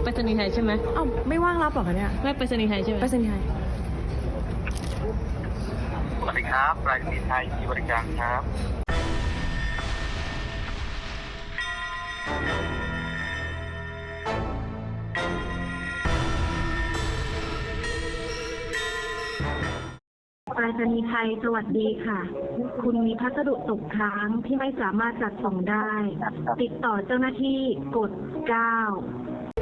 ไปรษณีย์ไทยใช่ไหมอ้าวไม่ว่างรับหรอคะเนี่ยไม่ไปรษณีย์ไทยใช่ไหมไปรษณีย์ไทยสวัสดีครับไปรษณีย์ไทยมีบริการครับไปรษณีย์ไทยสวัสดีค่ะ คุณมีพัสดุตกค้างที่ไม่สามารถจัดส่งได้ ติดต่อเจ้าหน้าที่กด 9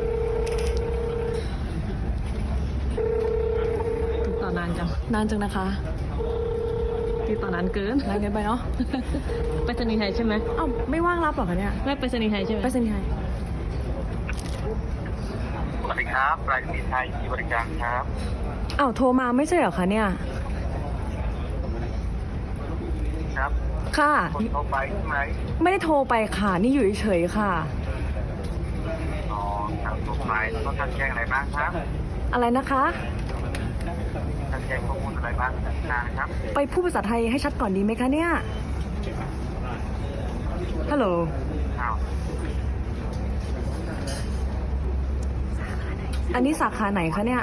ติดต่อนานจังนานจังนะคะติดต่อนานเกินนานเกินไปเนาะไปรษณีย์ไทยใช่ไหมอ้าวไม่ว่างรับหรอคะเนี่ยไม่ไปรษณีย์ไทยใช่ไหมไปรษณีย์ไทยสวัสดีครับไปรษณีย์ไทยมีบริการครับอ้าวโทรมาไม่ใช่เหรอคะเนี่ยครับค่ะคนโทรไปใช่ไหมไม่ได้โทรไปค่ะนี่อยู่เฉยๆค่ะอ๋อครับโทรไปแล้วก็ท่านแจ้งอะไรบ้างครับอะไรนะคะท่านแจ้งข้อมูลอะไรบ้างนะครับไปพูดภาษาไทยให้ชัดก่อนดีไหมคะเนี่ยฮัลโหลอ้าวอันนี้สาขาไหนคะเนี่ย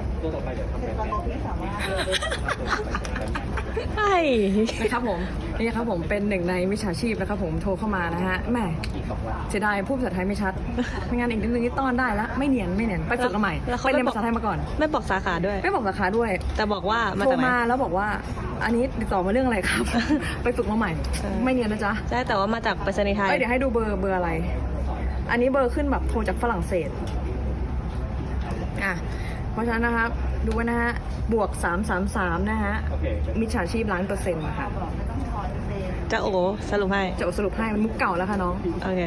ใช่นะครับผมนี่ครับผมเป็นหนึ่งในมิจฉาชีพนะครับผมโทรเข้ามานะฮะแหม่เสียดายพูดภาษาไทยไม่ชัดไม่งั้นอีกนิดนึงนี่ต้อนได้ละไม่เนียนไปฝึกกันใหม่ไปเรียนภาษาไทยมาก่อนไม่บอกสาขาด้วยไม่บอกสาขาด้วยแต่บอกว่ามาโทรจากไหนมาแล้วบอกว่า อันนี้ติดต่อมาเรื่องอะไรครับ ไปฝึกมาใหม่ ไม่เนียนนะจ๊ะใช่แต่ว่ามาจากไปรษณีย์ไทยเดี๋ยวให้ดูเบอร์อะไร อันนี้เบอร์ขึ้นแบบโทรจากฝรั่งเศสอ่ะเพราะฉะนั้นนะครับดูไว้นะฮะบวก333นะฮะมิจฉาชีพ1,000,000%นะคะจะโอ้สรุปให้จะสรุปให้มันมุกเก่าแล้วค่ะน้องโอเค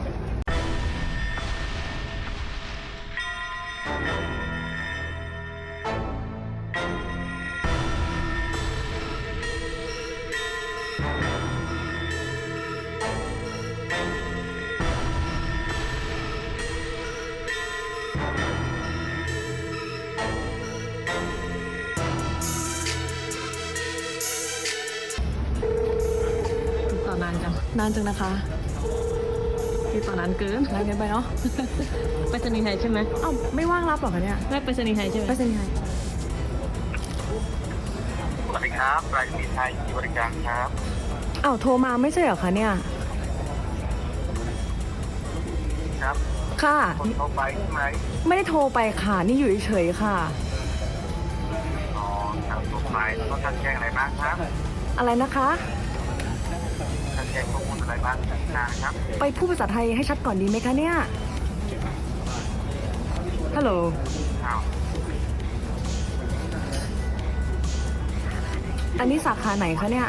ติดต่อนานจังนานจังนะคะติดต่อนานเกินนานเกินไปเนาะไปรษณีย์ไทยใช่ไหมอ้าวไม่ว่างรับหรอคะเนี่ยไม่ไปรษณีย์ไทยใช่ไหมไปรษณีย์ไทยสวัสดีครับไปรษณีย์ไทยมีบริการครับอ้าวโทรมาไม่ใช่เหรอคะเนี่ยครับค่ะคนโทรไปใช่ไหมไม่ได้โทรไปค่ะนี่อยู่เฉยๆค่ะอ๋อครับโทรไปแล้วก็ท่านแจ้งอะไรบ้างครับอะไรนะคะท่านแจ้งข้อมูลอะไรบ้างนะครับไปพูดภาษาไทยให้ชัดก่อนดีไหมคะเนี่ยฮัลโหลอ้าวอันนี้สาขาไหนคะเนี่ย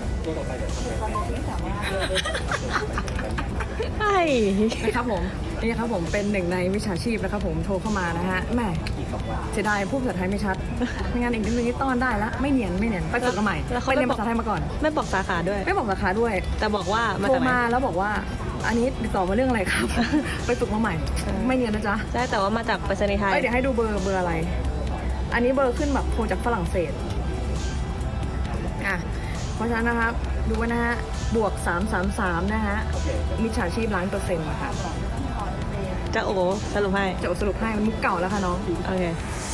ใช่นะครับผมนี่ครับผมเป็นหนึ่งในมิจฉาชีพนะครับผมโทรเข้ามานะฮะแหม่เสียดายพูดภาษาไทยไม่ชัดไม่งั้นอีกนิดนึงนี่ต้อนได้ละไม่เนียนไปฝึกกันใหม่ไปเรียนภาษาไทยมาก่อนไม่บอกสาขาด้วยไม่บอกสาขาด้วยแต่บอกว่ามาโทรจากไหนมาแล้วบอกว่า อันนี้ติดต่อมาเรื่องอะไรครับ ไปฝึกมาใหม่ ไม่เนียนนะจ๊ะใช่แต่ว่ามาจากไปรษณีย์ไทยเดี๋ยวให้ดูเบอร์อะไร อันนี้เบอร์ขึ้นแบบโทรจากฝรั่งเศสอ่ะเพราะฉะนั้นนะครับดูไว้นะฮะบวก333นะฮะมิจฉาชีพ1,000,000%นะคะจะโอ้สรุปให้จะสรุปให้มันมุกเก่าแล้วค่ะน้องโอเค